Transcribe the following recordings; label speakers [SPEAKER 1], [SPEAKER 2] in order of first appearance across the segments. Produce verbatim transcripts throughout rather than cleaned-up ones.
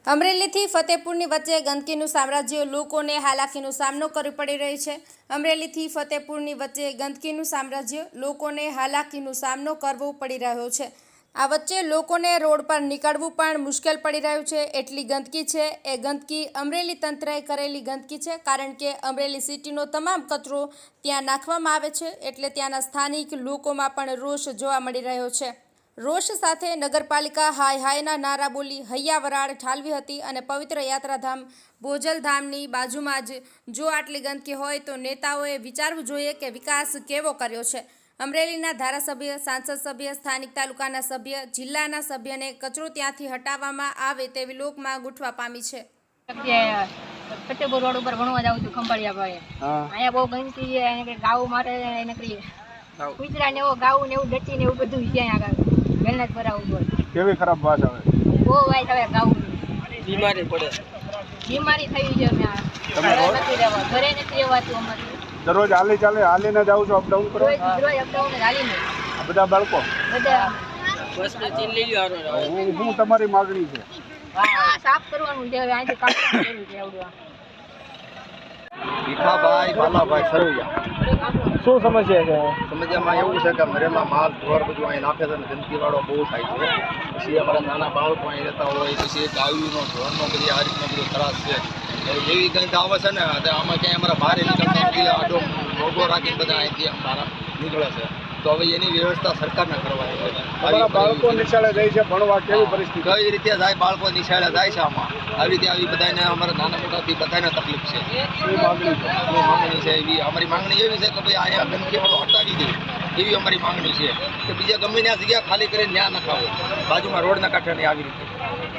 [SPEAKER 1] અમરેલીથી ફતેપુરની વચ્ચે ગંદકીનું સામ્રાજ્ય લોકોને હાલાકીનો સામનો કરવો પડી રહ્યો છે। અમરેલીથી ફતેપુરની વચ્ચે ગંદકીનું સામ્રાજ્ય લોકોને હાલાકીનો સામનો કરવો પડી રહ્યો છે। આ વચ્ચે લોકોને રોડ પર નીકળવું પણ મુશ્કેલ પડી રહ્યું છે। એટલી ગંદકી છે। એ ગંદકી અમરેલી તંત્રએ કરેલી ગંદકી છે, કારણ કે અમરેલી સિટીનો તમામ કચરો ત્યાં નાખવામાં આવે છે, એટલે ત્યાંના સ્થાનિક લોકોમાં પણ રોષ જોવા મળી રહ્યો છે। રોષ સાથે નગરપાલિકા હાય હાયના નારા બોલી હૈયા વરાળ ઠાલવી હતી અને પવિત્ર યાત્રાધામ બોજલધામની બાજુમાં જ જો આટલી ગંદકી હોય તો નેતાઓએ વિચારવું જોઈએ કે વિકાસ કેવો કર્યો છે। અમરેલીના ધારાસભ્ય, સાંસદ સભ્ય, સ્થાનિક તાલુકાના સભ્ય, જિલ્લાના સભ્યને કચરો ત્યાંથી હટાવવામાં આવે તેવી લોક માંગ ઉઠવા પામી છે।
[SPEAKER 2] ફતેપુર રોડ ઉપર ભણવા જાઉં છું ખંભાળિયા ભાઈ, અહીંયા બહુ ગંદકી છે, એને ગાઉ મારે એને કરીએ કૂતરા ને એવો ગાઉ ને એવું ડટી ને એવું બધું છે આગળ મહેનત કરાવવું પડે।
[SPEAKER 3] કેવી ખરાબ વાત આવે,
[SPEAKER 2] બહુ વાઈટ આવે ગાઉ,
[SPEAKER 3] બીમારી પડે,
[SPEAKER 2] બીમારી થઈ છે। અમે નથી રહેવા, ઘરે નથી રહેવાતું અમારે।
[SPEAKER 3] દરરોજ હાલી ચાલે હાલીને જાવ છો, અપડાઉન કરો?
[SPEAKER 2] રોજ અપડાઉન હાલીને।
[SPEAKER 3] આ બધા બાળકો
[SPEAKER 2] બધા
[SPEAKER 3] બસ ને ચીન લઈ લ્યો। હું હું તમારી માંગણી છે?
[SPEAKER 2] હા, સાફ કરવાનું છે, હવે અહીંથી કામ કરવું છે આવડવા।
[SPEAKER 4] ભીખાભાઈ બાલાભાઈ સરવૈયા।
[SPEAKER 3] શું સમસ્યા છે?
[SPEAKER 4] સમસ્યામાં એવું છે કે મરેલા માલ ઢોર બધું અહીં નાખે છે અને ગંદકીવાળો બહુ થાય છે। પછી અમારા નાના બાળકો અહીં રહેતા હોય, પછી ગાયુનો ઢોરનો બધી આ રીતનો બધો ત્રાસ છે। એવી ગંધ આવે છે ને આમાં ક્યાંય અમારા બહાર નીકળતા આડો મોગો રાખીને બધા અહીંથી અમારા નીકળે છે। તો હવે એની વ્યવસ્થા સરકારને કરવાની હોય।
[SPEAKER 3] બાળકો નિશાળે જાય છે ભણવા, કેવી પરિસ્થિતિ?
[SPEAKER 4] કઈ રીતે જાય બાળકો નિશાળે જાય છે? આમાં આવી રીતે આવી બધાને અમારા નાના મોટાથી બધાને તકલીફ છે।
[SPEAKER 3] શું માંગણી છે?
[SPEAKER 4] શું માંગણી છે? એવી અમારી માંગણી એવી છે કે ભાઈ અહીંયા ગંદકીવાળો હટાવી દે, એવી અમારી માંગણી છે કે બીજા ગમે ત્યાં જગ્યા ખાલી કરીને ત્યાં નખાવો, બાજુમાં રોડના કાંઠે નહીં આવી રીતે।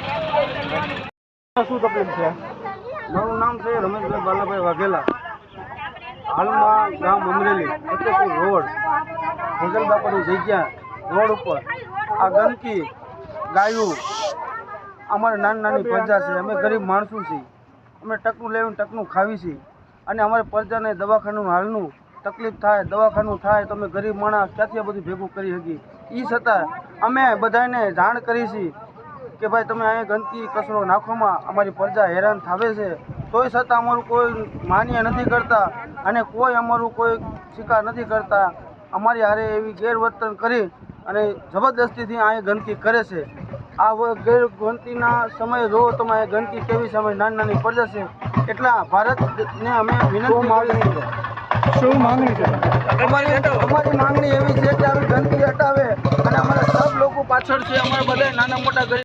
[SPEAKER 3] શું તકલીફ છે?
[SPEAKER 5] મારું નામ છે રમેશભાઈ બાલાભાઈ વાઘેલા। હાલમાં ગામ અમરેલી ફતેપુર રોડ ભોજલબાપાની જગ્યા રોડ ઉપર આ ગંદકી, ગાયું, અમારે નાની નાની પ્રજા છે, અમે ગરીબ માણસો છીએ, અમે ટકનું લેવીને ટકનું ખાવી છીએ અને અમારે પ્રજાને દવાખાનું હાલનું તકલીફ થાય, દવાખાનું થાય તો અમે ગરીબ માણસ ક્યાંથી આ બધું ભેગું કરી શકીએ? એ છતાં અમે બધાને જાણ કરી છીએ કે ભાઈ તમે અહીંયા ગંદકી કચરો નાખવામાં અમારી પ્રજા હેરાન થાવે છે, તોય છતાં અમારું કોઈ માન્ય નથી કરતા અને કોઈ અમારું કોઈ સ્વીકાર નથી કરતા। અમારી હારે એવી ગેરવર્તન કરી અને જબરદસ્તીથી અહીંયા ગંદકી કરે છે। આ ગેર ગંદકીના સમયે જોવો તમે અહીંયા ગંદકી કેવી સમય નાની નાની પ્રજા છે, એટલા ભારતને અમે વિનંતી માંગણી છે।
[SPEAKER 3] શું માંગણી છે
[SPEAKER 5] અમારી અમારી માંગણી એવી છે કે આવી ગંદકી હટાવે અને અમારા સબ લોકો પાછળ છે, અમારા બધા નાના મોટા ગરીબ